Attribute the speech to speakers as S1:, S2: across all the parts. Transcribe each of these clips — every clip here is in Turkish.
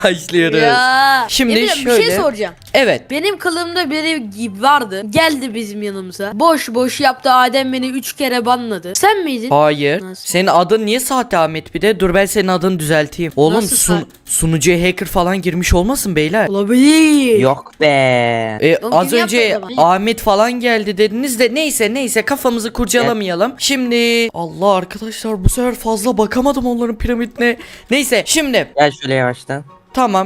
S1: Başlıyoruz.
S2: Ya.
S1: Şimdi
S2: Emre, bir
S1: şöyle.
S2: şey soracağım.
S1: Evet.
S2: Benim kılığımda biri gibi vardı. Geldi bizim yanımıza. Boş boş yaptı. Adem beni 3 kere banladı. Sen miydin?
S1: Hayır.
S2: Nasıl?
S1: Senin adın niye sahte Ahmet bir de? Dur ben senin adını düzelteyim. Oğlum
S2: Nasıl sahte?
S1: sunucuya hacker falan girmiş olmasın beyler?
S2: Olabilir.
S3: Yok be.
S2: Oğlum
S1: Az
S2: kim
S1: önce
S2: yaptı o zaman?
S1: Ahmet falan geldi dediniz de neyse kafamızı kurcalamayalım. Şimdi Allah arkadaşlar bu sefer fazla bakamadım onların piramidine. Neyse şimdi
S3: Gel şöyle yavaştan.
S1: tamam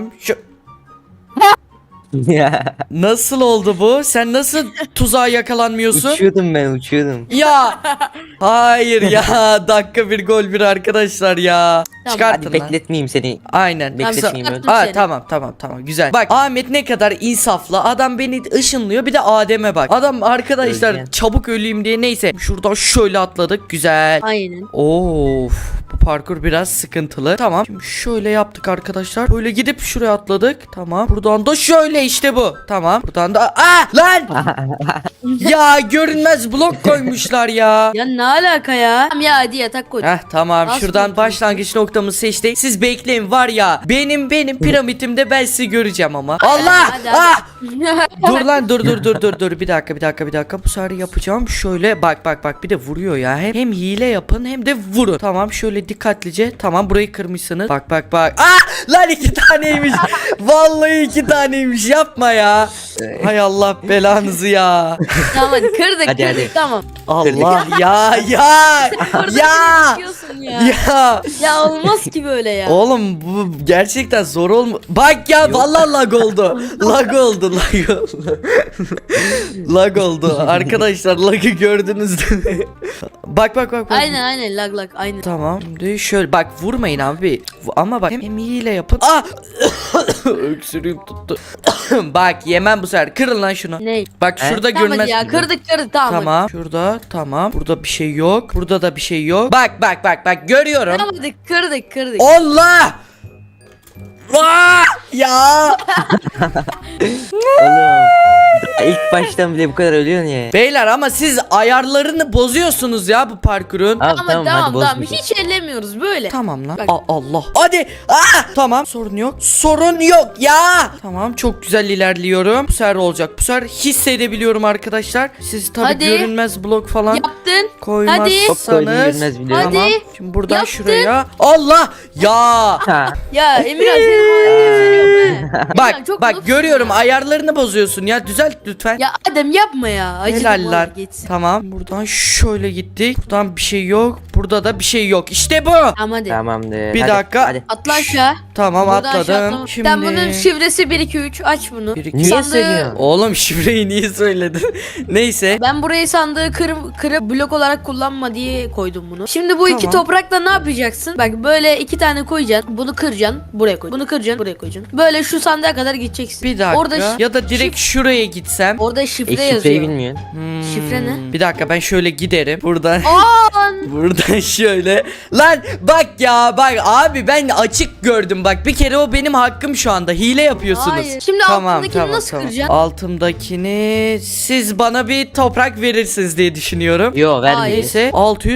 S1: nasıl oldu bu? Sen nasıl tuzağa yakalanmıyorsun?
S3: Uçuyordum.
S1: Ya hayır ya dakika bir gol bir arkadaşlar ya.
S2: Tamam,
S1: Çıkartın
S3: Hadi
S1: lan.
S3: bekletmeyeyim seni.
S1: Aynen.
S3: Bekletmeyeyim
S2: Tamam,
S3: öyle.
S1: Aa,
S2: seni.
S1: tamam güzel. Bak Ahmet ne kadar insaflı. Adam beni ışınlıyor bir de Adem'e bak. Adam arkadaşlar
S3: Öleceğim.
S1: çabuk öleyim diye neyse. Şuradan şöyle atladık güzel.
S2: Aynen.
S1: Of bu parkur biraz sıkıntılı. Tamam. Şimdi şöyle yaptık arkadaşlar. Böyle gidip şuraya atladık. Tamam. Buradan da şöyle işte bu. Tamam. Buradan da lan! Ya görünmez blok koymuşlar ya.
S2: Ya ne alaka ya? Tamam ya, hadi yatak koy.
S1: Heh tamam
S2: Nasıl
S1: şuradan
S2: yapıyorsun?
S1: başlangıç noktamızı seçtik. Siz bekleyin var ya benim piramidimde ben sizi göreceğim ama. Allah!
S2: Hadi,
S1: Ah!
S2: hadi.
S1: Dur lan dur bir dakika bu sefer yapacağım şöyle bak bir de vuruyor ya hem hile yapın hem de vurun. Tamam şöyle dikkatlice tamam burayı kırmışsınız bak lan 2 taneymiş vallahi 2 taneymiş yapma ya. Hay Allah belanızı ya.
S2: Tamam hadi kırdık
S3: Hadi,
S2: kırdık
S3: hadi.
S2: tamam.
S1: Allah ya
S2: Kırdık
S1: ya
S2: diyorsun ya.
S1: ya.
S2: Ya olmaz ki böyle ya.
S1: Oğlum bu gerçekten zor olma. Bak ya vallahi lag oldu. lag oldu. lag oldu. Arkadaşlar lag'ı gördünüz değil mi? bak.
S2: Aynen lag aynen.
S1: Tamam. Şimdi şöyle bak vurmayın abi. Ama bak hem hile yapın. Ah! Öksürüğüm tuttu. bak yemem bu sefer. Kırın lan şunu.
S2: Ne?
S1: Bak şurada
S2: Tamam
S1: görünmez.
S2: hadi ya kırdık tamam.
S1: Tamam. Şurada tamam. Burada bir şey yok. Burada da bir şey yok. Bak görüyorum.
S2: Tamam hadi kırdık.
S1: Allah! Aa! Ya!
S3: Oğlum. Daha ilk baştan bile bu kadar ölüyorsun ya.
S1: Beyler ama siz ayarlarını bozuyorsunuz ya bu parkurun.
S3: Tamam
S2: Ama
S3: hadi
S2: tamam
S3: bozmayacağım.
S2: hiç ellemiyoruz böyle.
S1: Tamam lan.
S2: Bak.
S1: Allah. Hadi. Tamam. Sorun yok ya. Tamam çok güzel ilerliyorum. Bu sefer olacak. Bu sefer hissedebiliyorum arkadaşlar. Siz tabii
S2: Hadi.
S1: görünmez blok falan
S2: Yaptın.
S1: koymazsanız.
S3: Çok koydum, görünmez biliyorum.
S1: Tamam.
S2: Hadi.
S1: Şimdi buradan
S2: Yaptın.
S1: şuraya. Allah! Ya!
S3: Ha.
S2: Ya Emirhan senin halini üzülüyorum he.
S1: Bak
S2: Emirhan, çok
S1: bak
S2: mutlusun
S1: görüyorum
S2: ya.
S1: ayarlarını bozuyorsun ya düzelt lütfen.
S2: Ya Adem yapma ya. Acıdım
S1: Helal
S2: valla,
S1: lan.
S2: geçsin.
S1: Tamam. Buradan şöyle gittik. Buradan bir şey yok. Burada da bir şey yok. İşte bu.
S2: Tamam hadi.
S3: Tamamdır.
S1: Bir
S3: Hadi,
S1: dakika.
S3: Hadi.
S2: Atla aşağı.
S1: Tamam
S2: Buradan aşağı
S1: atladım.
S2: atlama.
S1: Şimdi.
S2: Sen bunun şifresi 1 2 3 aç bunu.
S1: Bir, iki-
S3: Niye
S2: Sandığı-
S3: söylüyorsun?
S1: Oğlum şifreyi niye söyledin? Neyse.
S2: Ben burayı sandığı kırıp blok olarak kullanma diye koydum bunu. Şimdi bu iki
S1: Tamam.
S2: toprakla ne yapacaksın? Bak böyle 2 tane koyacaksın. Bunu kıracaksın. Buraya koy. Bunu kıracaksın. Buraya koyacaksın. Böyle şu sandığa kadar gideceksin.
S1: Bir dakika.
S2: Orada
S1: ya da direkt şuraya gitsem.
S2: orada şifre
S3: Şifreyi
S2: yazıyor.
S3: bilmiyorsun.
S2: Şifre ne?
S1: Bir dakika ben şöyle giderim. Buradan.
S2: Aa!
S1: Buradan şöyle. Lan bak ya bak abi ben açık gördüm bak. Bir kere o benim hakkım şu anda. Hile yapıyorsunuz.
S2: Hayır. Şimdi altındakini nasıl kıracaksın?
S1: Altımdakini siz bana bir toprak verirsiniz diye düşünüyorum.
S3: Yo vermeyeceğiz.
S1: Neyse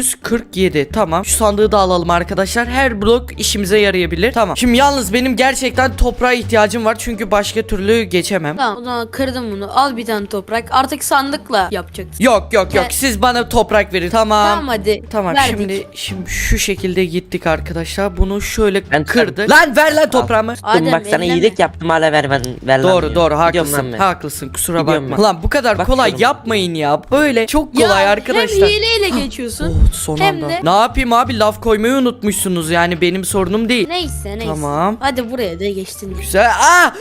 S1: 647 tamam şu sandığı da alalım arkadaşlar her blok işimize yarayabilir tamam şimdi yalnız benim gerçekten toprağa ihtiyacım var çünkü başka türlü geçemem.
S2: Tamam o zaman kırdım bunu. Al bir tane toprak. Artık sandıkla yapacaksın.
S1: Yok
S2: Gel.
S1: siz bana toprak verin tamam.
S2: Tamam hadi.
S1: Tamam
S2: Verdik.
S1: şimdi şu şekilde gittik arkadaşlar bunu şöyle
S3: Ben
S1: kırdık. Lan ver lan toprağımı.
S2: Adem,
S3: Bak sana
S2: elleme.
S3: iyilik yaptım hala ver lan
S1: Doğru
S3: diyor.
S1: doğru
S3: Gidiyorum
S1: haklısın
S3: lan ben.
S1: haklısın kusura
S3: Gidiyorum
S1: bakma.
S3: ben.
S1: Lan bu kadar kolay
S3: Bakıyorum.
S1: yapmayın ya böyle çok kolay
S2: Ya,
S1: arkadaşlar.
S2: Hem hileyle geçiyorsun.
S1: Oh, son
S2: Hem
S1: anda.
S2: de-
S1: Ne yapayım abi laf koymayı unutmuşsunuz yani benim sorunum değil.
S2: Neyse.
S1: Tamam.
S2: Hadi buraya da geçtin.
S1: Güzel.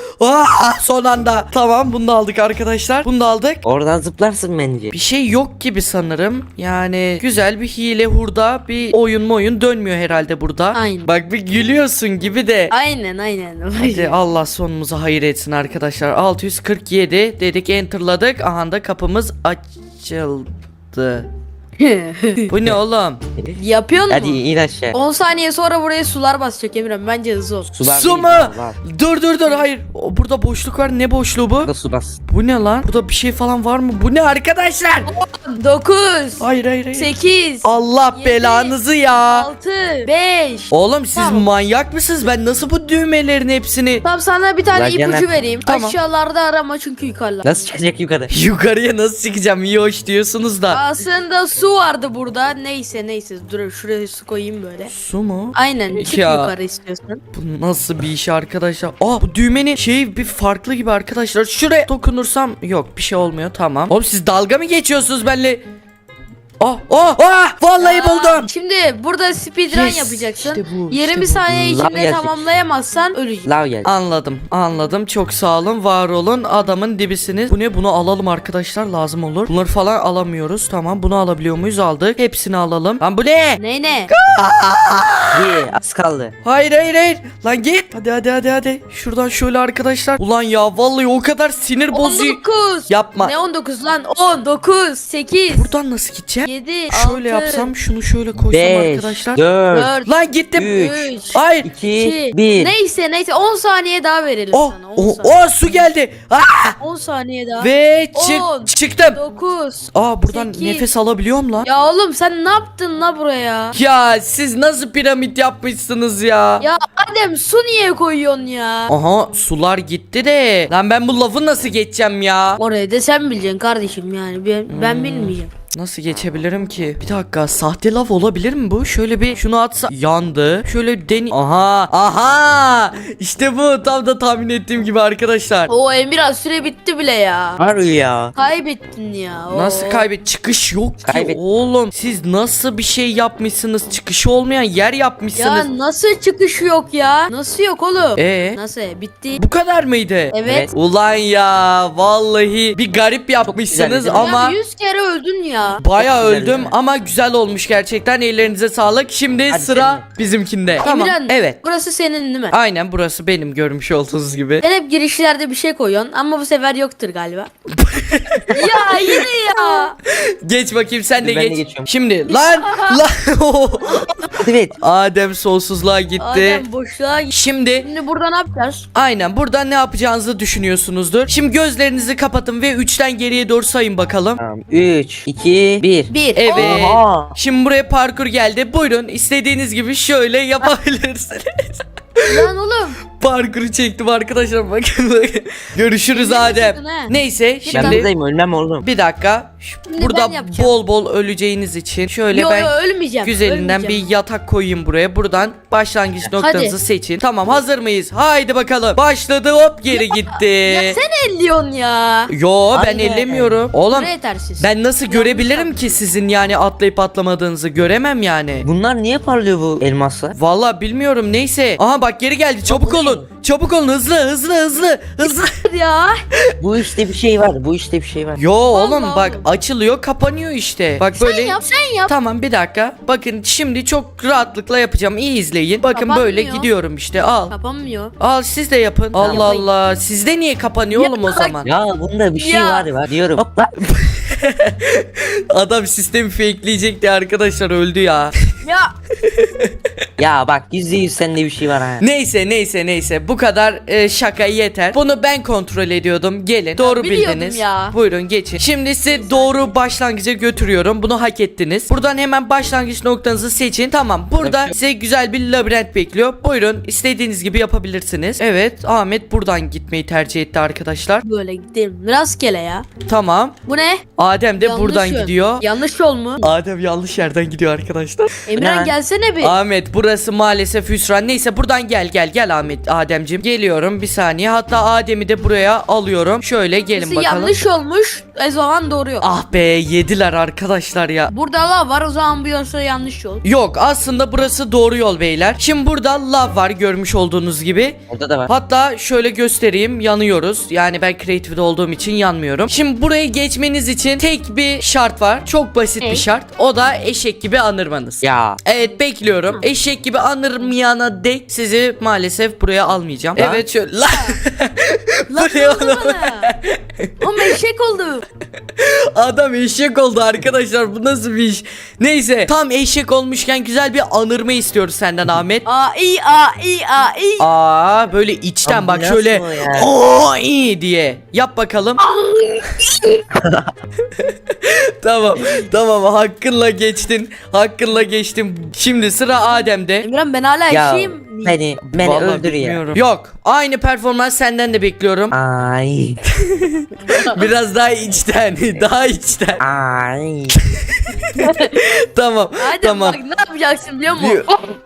S1: Son anda. Tamam bunu da aldık arkadaşlar. Bunu da aldık.
S3: Oradan zıplarsın bence.
S1: Bir şey yok gibi sanırım. Yani güzel bir hile hurda bir oyun dönmüyor herhalde burada.
S2: Aynen.
S1: Bak bir gülüyorsun gibi de.
S2: Aynen.
S1: Hadi Allah sonumuzu hayır etsin arkadaşlar. 647 dedik enterladık. Aha da kapımız açıldı. Bu ne oğlum?
S2: Yapıyor
S3: Hadi
S2: mu?
S3: in aşağı.
S2: 10 saniye sonra buraya sular basacak Emirhan. Bence hızlı ol.
S3: Sular
S1: Su
S3: değil,
S1: mu?
S3: var.
S1: Dur hayır. Burada boşluk var. Ne boşluğu bu?
S3: Burada su bas.
S1: Bu ne lan? Burada bir şey falan var mı? Bu ne arkadaşlar?
S2: 9
S1: Hayır.
S2: 8
S1: Allah
S2: 7,
S1: belanızı ya.
S2: 6 5
S1: Oğlum siz
S2: Tamam.
S1: manyak mısınız? Ben nasıl bu düğmelerin hepsini
S2: Tamam, sana bir tane
S3: Ulan
S2: ipucu
S3: Caner.
S2: vereyim.
S1: Tamam.
S2: Aşağılarda arama çünkü yukarılarda.
S3: Nasıl çıkacak yukarı?
S1: yukarıya nasıl çıkacağım? İyi hoş diyorsunuz da.
S2: Aslında su vardı burada. Neyse. Dur şuraya su koyayım böyle.
S1: Su mu?
S2: Aynen, çık
S1: Ya.
S2: yukarı istiyorsan.
S1: Bu nasıl bir iş arkadaşlar? Bu düğmenin şeyi bir farklı gibi arkadaşlar. Şuraya dokunursam yok bir şey olmuyor, tamam. Oğlum siz dalga mı geçiyorsunuz benimle? Vallahi buldum.
S2: Şimdi burada speedrun
S1: Yes,
S2: yapacaksın.
S1: işte bu,
S2: 20
S1: işte bu.
S2: saniye
S3: Lav
S2: içinde
S3: gelecek.
S2: tamamlayamazsan öleceksin.
S3: Lav geldi.
S1: Anladım. Çok sağ olun, var olun. Adamın dibisiniz. Bu ne? Bunu alalım arkadaşlar, lazım olur. Bunları falan alamıyoruz. Tamam, bunu alabiliyor muyuz? Aldık. Hepsini alalım. Lan bu ne?
S2: Ne?
S3: İyi az kaldı.
S1: Hayır. Lan git. Hadi. Şuradan şöyle arkadaşlar. Ulan ya vallahi o kadar sinir bozucu.
S2: 19.
S1: Yapma.
S2: Ne 19 lan? 10, 9, 8,
S1: Buradan nasıl gideceğim?
S2: 7,
S1: Şöyle
S2: 6,
S1: yapsam, şunu şöyle koysam
S3: 5,
S1: arkadaşlar.
S3: 4,
S2: 4,
S1: Lan gittim.
S3: 3,
S1: Hayır.
S3: 2, 1.
S2: Neyse 10 saniye daha verelim sana. 10 saniye.
S1: Su geldi.
S2: 10 saniye daha.
S1: Ve
S2: 10,
S1: çıktım.
S2: 9.
S1: Buradan
S2: 8.
S1: nefes alabiliyorum lan.
S2: Ya oğlum sen ne yaptın la buraya?
S1: Ya siz nasıl piramit yapmışsınız ya?
S2: Ya Adem, su niye koyuyorsun ya?
S1: Aha, sular gitti de. Lan ben bu lafı nasıl geçeceğim ya?
S2: Orayı da sen bileceksin kardeşim, yani ben bilmeyeceğim.
S1: Nasıl geçebilirim ki? Bir dakika, sahte lav olabilir mi bu? Şöyle bir şunu atsa yandı. Şöyle Aha! İşte bu, tam da tahmin ettiğim gibi arkadaşlar.
S2: O Emirhan, süre bitti bile ya.
S3: Harbi ya.
S2: Kaybettin ya.
S1: Nasıl çıkış yok ki
S3: Kaybet-
S1: oğlum. Siz nasıl bir şey yapmışsınız? Çıkışı olmayan yer yapmışsınız.
S2: Ya nasıl çıkış yok ya? Nasıl yok oğlum? Nasıl? Bitti.
S1: Bu kadar mıydı?
S2: Evet.
S1: Ulan ya vallahi bir garip yapmışsınız
S3: güzel, değil mi?
S1: ama
S2: Ya 100 kere öldün ya.
S1: baya
S3: Çok güzel,
S1: öldüm
S3: değil mi?
S1: ama güzel olmuş gerçekten, ellerinize sağlık. Şimdi
S3: Hadi
S1: sıra
S3: senin.
S1: bizimkinde. Tamam,
S2: Emirhan,
S1: evet.
S2: burası senin değil mi?
S1: Aynen, burası benim, görmüş olduğunuz gibi.
S2: Sen hep girişlerde bir şey koyuyorsun ama bu sefer yoktur galiba. Ya yine ya.
S1: Geç bakayım, sen de
S3: Dur, ben de
S1: geç.
S3: geçiyorum.
S1: Şimdi lan
S3: Evet.
S1: Adem sonsuzluğa gitti.
S2: Adem boşluğa git.
S1: Şimdi
S2: Şimdi burada ne yapacağız?
S1: aynen burada ne yapacağınızı düşünüyorsunuzdur. Şimdi gözlerinizi kapatın ve 3'ten geriye doğru sayın bakalım.
S3: Tamam. 3, 2, 1.
S2: 1.
S1: Evet.
S3: Oha.
S1: Şimdi buraya parkur geldi. Buyurun, istediğiniz gibi şöyle yapabilirsiniz.
S2: Lan oğlum.
S1: Parkuru çektim arkadaşlar, bakın. Görüşürüz Adem.
S2: sakın ha.
S1: Neyse
S3: Ben
S1: şimdi
S3: buradayım, ölmem oğlum.
S1: bir dakika.
S2: Şimdi
S1: Burada
S2: ben yapacağım.
S1: bol bol öleceğiniz için şöyle
S2: Yo
S1: ben
S2: ölmeyeceğim.
S1: güzelinden
S2: ölmeyeceğim.
S1: bir yatak koyayım buraya. Buradan başlangıç noktanızı
S2: Hadi.
S1: seçin. Tamam, hazır mıyız? Haydi bakalım. Başladı, hop geri gitti.
S2: Ya sen elliyorsun ya.
S1: Yo, ben
S3: Aynen.
S1: ellemiyorum. Oğlum
S2: Buraya yetersiz.
S1: ben nasıl
S2: Yanlış
S1: görebilirim
S2: yaptın.
S1: ki sizin yani atlayıp atlamadığınızı? Göremem yani.
S3: Bunlar niye parlıyor bu elmaslar?
S1: Vallahi bilmiyorum, neyse. Aha bak, geri geldi, çabuk olun. Çabuk olun, hızlı.
S2: ya.
S3: Bu işte bir şey var. Bu işte bir şey var.
S1: Yo oğlum
S2: Allah
S1: bak,
S2: Allah.
S1: açılıyor kapanıyor işte. Bak böyle.
S2: Sen yap.
S1: Tamam, bir dakika. Bakın şimdi çok rahatlıkla yapacağım. İyi izleyin. Bakın
S2: Kapanmıyor.
S1: böyle gidiyorum işte. Al.
S2: Kapanmıyor.
S1: Al, siz de yapın. Allah
S2: yapayım.
S1: Allah. Sizde niye kapanıyor
S2: Ya
S1: oğlum o
S2: bak-
S1: zaman?
S3: Ya bunda bir şey
S2: Ya.
S3: var diyorum. Hop lan.
S1: Adam sistemi fakeleyecekti arkadaşlar, öldü ya.
S2: Ya.
S3: Ya bak %100 sende bir şey var ha.
S1: Neyse. Bu kadar şaka yeter. Bunu ben kontrol ediyordum. Gelin. Doğru
S2: biliyordum
S1: bildiniz.
S2: ya.
S1: Buyurun geçin. Şimdi sizi doğru başlangıca götürüyorum. Bunu hak ettiniz. Buradan hemen başlangıç noktanızı seçin. Tamam. Burada size güzel bir labirent bekliyor. Buyurun. İstediğiniz gibi yapabilirsiniz. Evet. Ahmet buradan gitmeyi tercih etti arkadaşlar.
S2: Böyle gidelim. Rastgele ya.
S1: Tamam.
S2: Bu ne?
S1: Adem de
S2: Yanlış
S1: buradan
S2: yön.
S1: gidiyor.
S2: Yanlış yol mu?
S1: Adem yanlış yerden gidiyor arkadaşlar.
S2: Emran
S3: Ne?
S2: gelsene bir.
S1: Ahmet, burası maalesef hüsran. Neyse buradan gel Ahmet, Ademcim. Geliyorum bir saniye. Hatta Adem'i de buraya alıyorum. Şöyle gelin
S2: Burası
S1: bakalım.
S2: yanlış olmuş. O zaman doğru yol.
S1: Ah be, yediler arkadaşlar ya.
S2: Burada lav var, o zaman bu yolsa yanlış yol.
S1: Yok, aslında burası doğru yol beyler. Şimdi burada lav var, görmüş olduğunuz gibi.
S3: Orada da var.
S1: Hatta şöyle göstereyim, yanıyoruz. Yani ben creative'de olduğum için yanmıyorum. Şimdi burayı geçmeniz için tek bir şart var. Çok basit bir
S2: Ne?
S1: şart. O da eşek gibi anırmanız.
S3: Ya Ya.
S1: Evet bekliyorum. Eşek gibi anırmayana dek sizi maalesef buraya almayacağım.
S3: Lan.
S1: Evet şöyle. Lan.
S2: Lan
S1: Bu
S2: ne
S1: ne
S2: oldu
S1: oğlum?
S2: bana? Oğlum eşek oldu.
S1: Adam eşek oldu arkadaşlar, bu nasıl bir iş? Neyse, tam eşek olmuşken güzel bir anırma istiyoruz senden Ahmet.
S2: Aa iyi aa iyi aa iyi.
S1: Aa böyle içten bak
S3: Ambulans
S1: şöyle
S3: mı o ya?
S1: o iyi diye yap bakalım. Tamam hakkınla geçtin. Hakkınla geçtim. Şimdi sıra Adem'de.
S2: Emirhan ben hala
S3: Ya
S2: eşeğim.
S3: beni
S1: Vallahi
S3: öldür ya.
S1: bilmiyorum. Yok, aynı performans senden de bekliyorum.
S3: Ay.
S1: Biraz daha içten. Daha içten.
S3: Ay.
S1: Tamam.
S2: Hadi
S1: tamam.
S2: bak ne yapacaksın biliyor musun?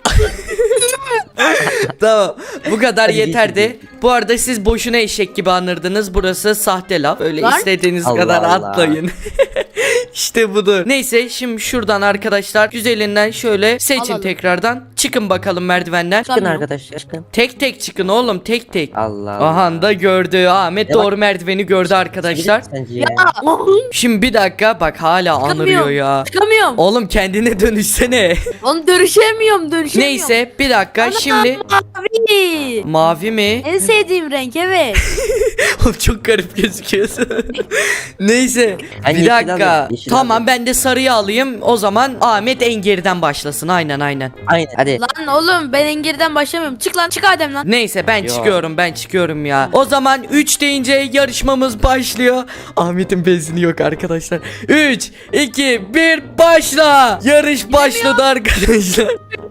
S1: Tamam. Bu kadar
S3: Hadi
S1: yeterdi.
S3: geçin.
S1: Bu arada siz boşuna eşek gibi anırdınız. Burası sahte laf. Öyle
S2: Lan.
S1: istediğiniz
S3: Allah
S1: kadar
S3: Allah.
S1: atlayın. İşte budur. Neyse şimdi şuradan arkadaşlar güzelinden şöyle seçin
S2: Alalım.
S1: tekrardan. Çıkın bakalım merdivenden.
S3: Çıkın arkadaşlar çıkın.
S1: Tek tek çıkın oğlum, tek tek.
S3: Allah.
S1: Aha da gördü. Ahmet
S3: Ya
S1: doğru merdiveni gördü arkadaşlar.
S3: Sence ya.
S1: Şimdi bir dakika bak, hala anırıyor ya.
S2: Çıkamıyorum.
S1: Oğlum kendine dönüşsene.
S2: Onu dönüşemiyorum.
S1: Neyse bir dakika şimdi.
S2: Mavi.
S1: Mavi mi?
S2: En sevdiğim renk evet.
S1: Oğlum çok garip gözüküyorsun. Neyse
S3: Ben
S1: bir
S3: yeşil
S1: dakika.
S3: alayım, yeşil
S1: Tamam
S3: alayım.
S1: ben de sarıyı alayım. O zaman Ahmet en geriden başlasın. Aynen.
S3: Aynen hadi.
S2: Lan oğlum ben engeriden başlamıyorum. Çık lan çık Adem lan.
S1: Neyse ben
S3: Yo.
S1: çıkıyorum ya. O zaman 3 deyince yarışmamız başlıyor. Ahmet'in benzini yok arkadaşlar. 3 2 1 başla. Yarış başladı arkadaşlar.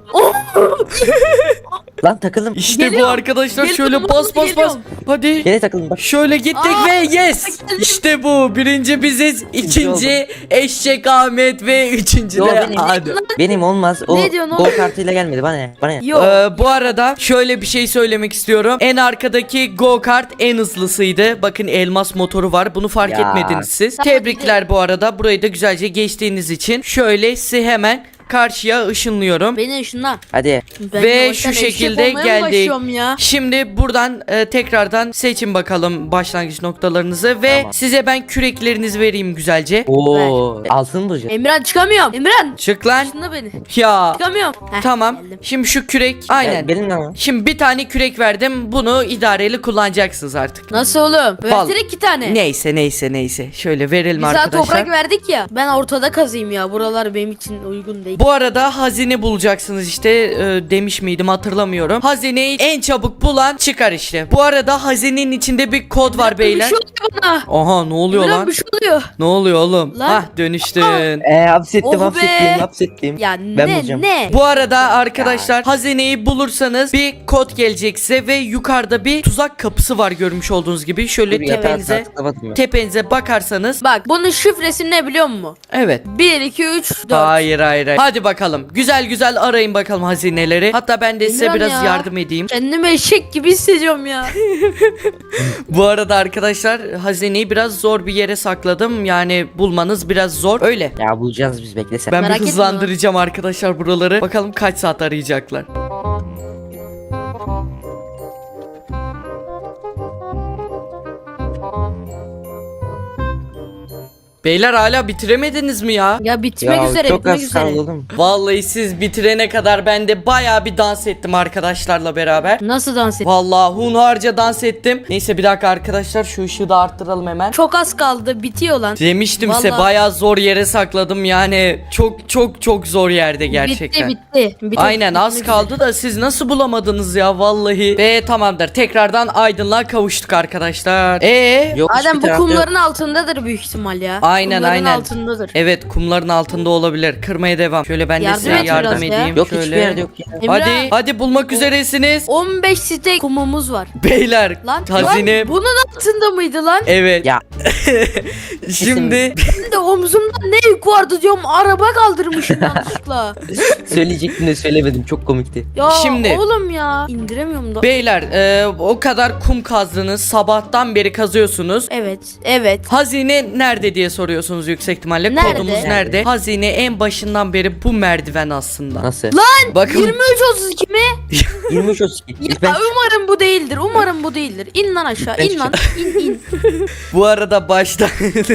S3: Lan takıldım.
S1: İşte bu
S2: Geliyorum.
S1: arkadaşlar,
S2: Geliyorum,
S1: şöyle bas bas.
S2: geliyorum.
S1: Hadi.
S3: Yine takıldım bak.
S1: Şöyle gittik
S2: Aa,
S1: ve yes.
S2: geldim.
S1: İşte bu. Birinci biziz. İkinci Eşek Ahmet ve üçüncü
S3: Yo,
S1: de
S3: benim.
S1: Adem.
S3: Benim olmaz. O
S2: Ne diyorsun
S3: go
S2: oğlum?
S3: kartıyla gelmedi bana ne? Bana ne?
S2: Yok.
S1: Bu arada şöyle bir şey söylemek istiyorum. En arkadaki go kart en hızlısıydı. Bakın elmas motoru var. Bunu fark
S3: Ya.
S1: etmediniz siz.
S2: Tamam,
S1: Tebrikler bu arada. Burayı da güzelce geçtiğiniz için. Şöyle sizi hemen karşıya ışınlıyorum.
S2: Beni ışınla.
S3: Hadi.
S2: Ben
S1: Ve
S2: yavaştan
S1: şu
S2: eşek
S1: şekilde
S2: olmaya mı
S1: geldik.
S2: başlıyorum ya?
S1: Şimdi buradan tekrardan seçin bakalım başlangıç noktalarınızı ve
S3: Tamam.
S1: size ben küreklerinizi vereyim güzelce.
S3: Oo. Altın bulacağız.
S2: Emirhan çıkamıyorum. Emirhan.
S1: Çık lan.
S2: Işınla beni.
S1: Ya.
S2: Çıkamıyorum. Heh,
S1: Tamam.
S2: geldim.
S1: Şimdi şu kürek aynen.
S3: Benim ne var?
S1: Şimdi bir tane kürek verdim. Bunu idareli kullanacaksınız artık.
S2: Nasıl oğlum?
S1: Val-
S2: Versene 2 tane.
S1: Neyse. Şöyle verelim
S2: Biz daha
S1: arkadaşlar.
S2: toprak verdik ya. Ben ortada kazıyım ya. Buralar benim için uygun değil.
S1: Bu arada hazine bulacaksınız işte, demiş miydim hatırlamıyorum. Hazineyi en çabuk bulan çıkar işte. Bu arada hazinenin içinde bir kod var
S2: Bir
S1: beyler.
S2: şey oluyor bana.
S1: Aha ne oluyor
S2: Emirhan
S1: lan?
S2: bir şey oluyor.
S1: Ne oluyor oğlum?
S2: Lan.
S1: Hah dönüştün.
S2: Oh be.
S3: Hapsettim.
S2: Ya
S3: Ben
S2: ne
S3: bulacağım.
S2: ne?
S1: Bu arada arkadaşlar hazineyi bulursanız bir kod gelecek size ve yukarıda bir tuzak kapısı var görmüş olduğunuz gibi. Şöyle
S3: Dur, yatağa
S1: tepenize
S3: tıklamadım ya.
S1: tepenize bakarsanız.
S2: Bak bunun şifresi ne biliyor musun?
S1: Evet.
S2: 1 2 3 4.
S1: Hayır. Hadi bakalım. Güzel arayın bakalım hazineleri. Hatta ben de size
S2: Emirhan
S1: biraz
S2: ya.
S1: yardım edeyim.
S2: Kendimi eşek gibi hissediyorum ya.
S1: Bu arada arkadaşlar hazineyi biraz zor bir yere sakladım. Yani bulmanız biraz zor. Öyle.
S3: Ya bulacağız biz bekle sen.
S1: Ben
S2: Merak
S1: bir
S2: etme.
S1: hızlandıracağım arkadaşlar buraları. Bakalım kaç saat arayacaklar. Beyler hala bitiremediniz mi ya?
S2: Ya bitmek
S3: Ya
S2: üzere
S3: çok
S2: bitmek
S3: az
S2: üzere.
S3: kaldı oğlum.
S1: Vallahi siz bitirene kadar ben de bayağı bir dans ettim arkadaşlarla beraber.
S2: Nasıl dans et?
S1: Vallahi hunharca dans ettim. Neyse bir dakika arkadaşlar, şu ışığı da arttıralım hemen.
S2: Çok az kaldı bitiyor lan.
S1: Demiştim size
S2: Vallahi.
S1: bayağı zor yere sakladım yani. Çok zor yerde gerçekten.
S2: Bitti.
S1: Aynen az
S2: Bitmek
S1: kaldı da siz nasıl bulamadınız ya vallahi. Ve tamamdır, tekrardan aydınlığa kavuştuk arkadaşlar.
S3: Yok,
S2: Adem
S3: hiçbir
S2: bu
S3: tarafta
S2: kumların altındadır büyük ihtimal ya.
S1: Aynen,
S2: Kumların
S1: aynen.
S2: altındadır.
S1: Evet, kumların altında olabilir. Kırmaya devam. Şöyle ben de
S2: Yardım
S1: size
S2: et
S1: yardım
S2: biraz ya.
S1: edeyim.
S3: Yok
S1: Şöyle.
S3: hiçbir yerde yok ya.
S2: Emre,
S1: Hadi bulmak üzeresiniz.
S2: 15 site kumumuz var.
S1: Beyler
S2: Lan,
S1: hazine.
S2: lan bunun altında mıydı lan?
S1: Evet.
S3: Ya.
S1: Şimdi
S2: Ben de omzumda ne yük vardı diyorum, araba kaldırmışım yanlışlıkla.
S3: Söyleyecektim de söylemedim çok komikti.
S2: Ya
S1: Şimdi-
S2: oğlum ya indiremiyorum da.
S1: beyler o kadar kum kazdınız. Sabahtan beri kazıyorsunuz.
S2: Evet.
S1: Hazine nerede diye soruyorsunuz yüksek ihtimalle.
S2: Nerede?
S1: Kodumuz nerede? Hazine en başından beri bu merdiven aslında.
S3: Nasıl?
S1: Bakın
S2: 23.32 mi?
S3: 23 32.
S2: Ya umarım bu değildir. Umarım bu değildir. İn lan aşağı.
S3: Ben
S2: İn lan. İn.
S1: bu arada başta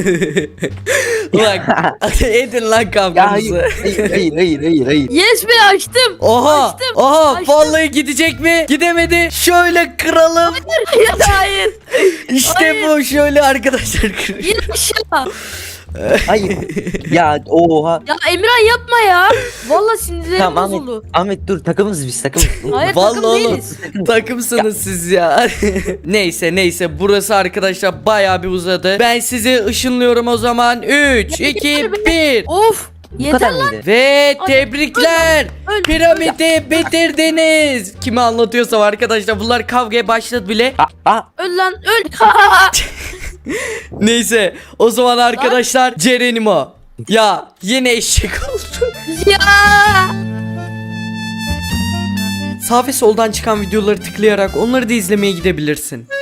S1: Bak edin lan
S3: Ya
S1: kavganızı.
S3: hayır.
S2: Yes be açtım.
S1: Oha
S2: Açtım,
S1: oha
S2: açtım.
S1: vallahi gidecek mi? Gidemedi. Şöyle kıralım.
S2: Hayır.
S1: İşte
S2: Hayır.
S1: bu şöyle arkadaşlar kır.
S2: İn aşağı.
S3: Hayır. Ya oha.
S2: Ya Emirhan yapma ya. Vallahi sinirlerim
S3: Tamam
S2: bozuldu.
S3: Ahmet dur takımız biz takımız.
S2: Hayır
S1: Vallahi
S2: takım
S1: oğlum
S2: değiliz.
S1: takımsınız siz ya. Neyse burası arkadaşlar bayağı bir uzadı. Ben sizi ışınlıyorum o zaman. 3 2 1
S2: Of.
S3: Bu
S2: Yeter
S3: kadar
S2: lan.
S3: mıydı?
S1: ve
S2: Ay,
S1: tebrikler.
S2: öl.
S1: Piramidi bitirdiniz. Kime anlatıyorsam arkadaşlar bunlar kavgaya başladı bile.
S2: Öl lan öl.
S1: Neyse o zaman arkadaşlar Cerenimo. Ya yine eşek oldu.
S2: Ya.
S1: Sağ ve soldan çıkan videoları tıklayarak onları da izlemeye gidebilirsin.